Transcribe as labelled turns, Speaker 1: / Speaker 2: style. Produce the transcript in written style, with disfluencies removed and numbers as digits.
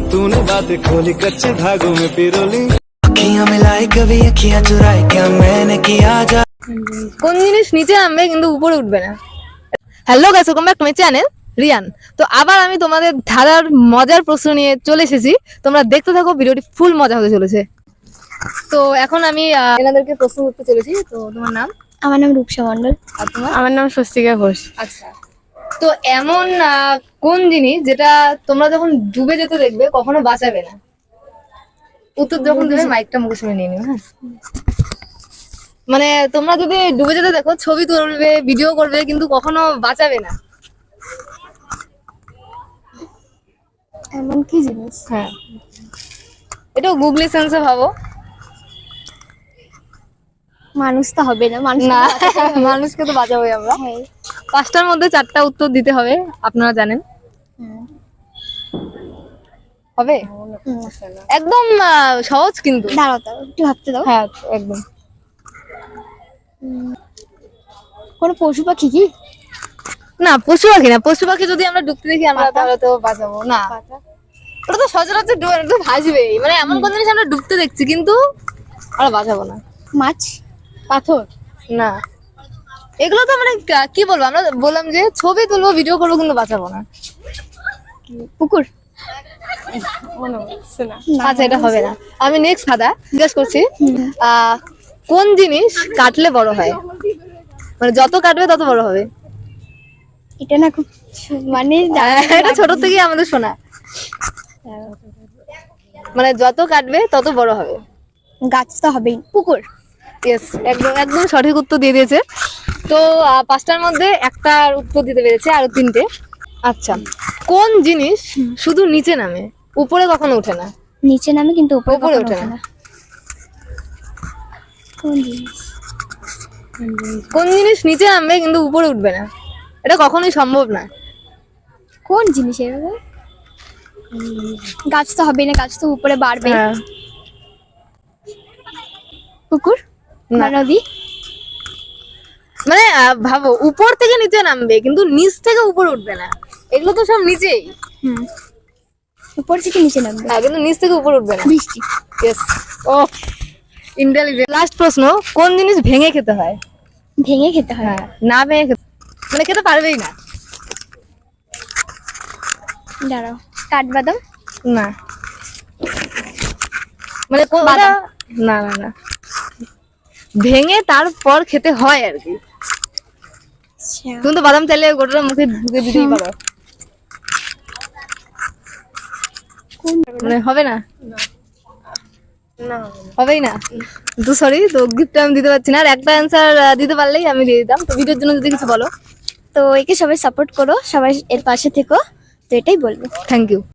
Speaker 1: तूने बातें खोली कच्चे धागों में पिरोली
Speaker 2: अखियां मिलाई कभी अखियां चुराई क्या मैंने किया जा
Speaker 3: কোন জিনিস নিচে নামবে কিন্তু উপরে উঠবে না? Hello guys, welcome back to my channel Riyan. তো আবার আমি তোমাদের ধাঁধার মজার প্রশ্ন নিয়ে চলে এসেছি। তোমরা দেখতে থাকো, ভিডিওটি ফুল মজা হতে চলেছে। তো এখন আমি এনাদেরকে প্রশ্ন করতে চলেছি। তো তোমার নাম?
Speaker 4: আমার নাম রূপসা মণ্ডল।
Speaker 3: আর তোমার?
Speaker 5: আমার নাম স্বস্তিকা ঘোষ।
Speaker 3: আচ্ছা, তো এমন কোন জিনিস যেটা তোমরা যখন ডুবে যেতে দেখবে কখনো বাঁচাবে না? উত্তর যখন দেবে মাইকটা মুখের সামনে নিয়ে নিও, হ্যাঁ? মানে তোমরা যদি ডুবে যেতে দেখো, ছবি তুলবে, ভিডিও করবে, কিন্তু কখনো বাঁচাবে না।
Speaker 4: এমন কি জিনিস?
Speaker 3: হ্যাঁ, এটা গুগলি সেন্সে ভাবো।
Speaker 4: মানুষ তো হবে না, মানুষ
Speaker 3: না, মানুষকে তো বাঁচাবোই আমরা।
Speaker 4: হ্যাঁ।
Speaker 3: 5টার মধ্যে 4টা উত্তর দিতে হবে, আপনারা জানেন। হবে একদম সহজ কিন্তু।
Speaker 4: দাঁড়াও দাও, একটু ভাবতে দাও।
Speaker 3: হ্যাঁ, একদম।
Speaker 4: কোনো পশু পাখি কি?
Speaker 3: না, পশু পাখি না। পশু পাখি যদি আমরা ডুবতে দেখি আমরা তাহলে তো বাঁচাবো না। ওটা তো সচরাচর ডুবে ভাসবেই। মানে এমন কোন জিনিস আমরা ডুবতে দেখছি কিন্তু আমরা বাঁচাবো না?
Speaker 4: মাছ, পাথর।
Speaker 3: না, এগুলো তো মানে কি বলবো, আমরা বললাম যে ছবি তুলবো, ভিডিও করবো, কিন্তু বাঁচাবো না।
Speaker 4: পুকুর।
Speaker 3: আচ্ছা, এটা হবে না। আমি নেক্সট ধাঁধা জিজ্ঞেস করছি। কোন জিনিস কাটলে বড় হয়? মানে যত কাটবে তত বড় হবে।
Speaker 4: এটা না খুব মানে
Speaker 3: এটা ছোট থেকেই আমাদের শোনা। মানে যত কাটবে তত বড় হবে।
Speaker 4: গাছ তো হবেই। পুকুর।
Speaker 3: ইয়েস, একদম একদম সঠিক উত্তর দিয়ে দিয়েছে। তো 5টার মধ্যে একটার উত্তর দিতে পেরেছে, আরো 3টে। আচ্ছা, কোন জিনিস শুধু নিচে নামে, উপরে কখনো ওঠে না?
Speaker 4: নিচে নামে কিন্তু উপরে
Speaker 3: উপরে
Speaker 4: কখনো
Speaker 3: ওঠে
Speaker 4: ওঠে
Speaker 3: না।
Speaker 4: না। কোন জিনিস?
Speaker 3: কোন জিনিস নিচে নামবে কিন্তু উপরে উঠবে না? এটা কখনোই সম্ভব না।
Speaker 4: কোন জিনিস এরকম? গাছ তো হবেই না, গাছ তো উপরে বাড়বে।
Speaker 3: হ্যাঁ।
Speaker 4: পুকুর
Speaker 3: না।
Speaker 4: না নদী?
Speaker 3: মানে ভাবো, উপর থেকে নিচে নামবে কিন্তু নিচ থেকে উপরে উঠবে না। এগুলো তো সব নিচেই।
Speaker 4: উপর থেকে নিচে নামবে।
Speaker 3: হ্যাঁ, কিন্তু নিচ থেকে উপরে উঠবে না।
Speaker 4: বৃষ্টি।
Speaker 3: ইয়েস। ও, ইন্টেলিজেন্ট। লাস্ট প্রশ্ন, কোন জিনিস ভেঙে খেতে হয়?
Speaker 4: ভেঙে খেতে হয়।
Speaker 3: হ্যাঁ, না ভেঙে খেতে মানে খেতে পারবেই না।
Speaker 4: দাঁড়াও, কাঠবাদাম।
Speaker 3: না, মানে
Speaker 4: বাদাম।
Speaker 3: না না না, ভেঙে তারপর খেতে হয় আর কি। তুমি তো বাদাম চাইলে গোটাটা মুখে ঢুকে দিতেই পারো। মানে হবে না? হবেই না তো, সরি। তো গিফট আমি দিতে পারছি না। আর একটা অ্যান্সার দিতে পারলেই আমি দিয়ে দিতাম। তো ভিডিওর জন্য যদি কিছু বলো।
Speaker 4: তো একে সবাই সাপোর্ট করো, সবাই এর পাশে থেকো, তো এটাই বলবো।
Speaker 3: Thank you.